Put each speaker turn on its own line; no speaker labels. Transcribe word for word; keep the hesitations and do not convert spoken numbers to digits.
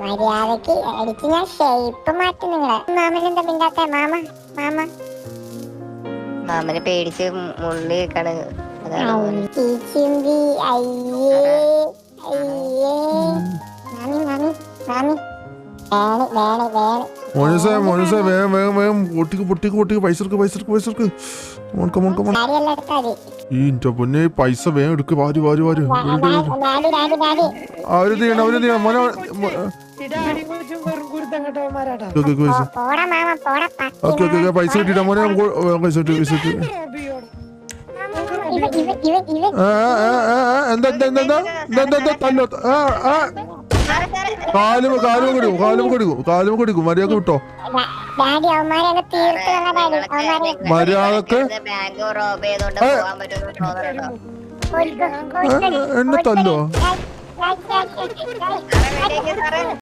മര്യാദക്ക് അടിച്ച് ഞാൻ ഷേപ്പ് മാറ്റി നിങ്ങളെ. മാമനെന്താ മിണ്ടാത്ത? മാമ മാമ
മാമനെ പേടിച്ച് മുള്ളി വെക്കാണ്.
ചിമ്പി അയ്യേ അയ്യേ. മാമി മാമി മാമി വേണി വേണി വേണി.
മോനുസേ മോനുസേ വേഗം വേഗം വേഗം പൊട്ടിക്ക് പൊട്ടിക്ക് പൊട്ടിക്ക് പൈസ എടുക്ക് പൈസ എടുക്ക് പൈസ എടുക്ക്. ഈ എന്റെ പൊന്നെ പൈസ വേഗം എടുക്ക്. വാരി വാരി വാരി അവര് ചെയ്യണം അവര് ചെയ്യണം മോനെ. ഓക്കെ ഓക്കെ പൈസ കിട്ടിട്ടാ മോനെ. പൈസ കിട്ടി പൈസ കിട്ടി. എന്താ എന്താ എന്താ എന്താ എന്താ എന്താ തല്ലോ. കാലും കാലും കൊടുക്കും കാലും കൊടുക്കും കാലും കൊടുക്കും. മര്യാദ വിട്ടോ മര്യാദക്ക്. എന്നെ തല്ലോ.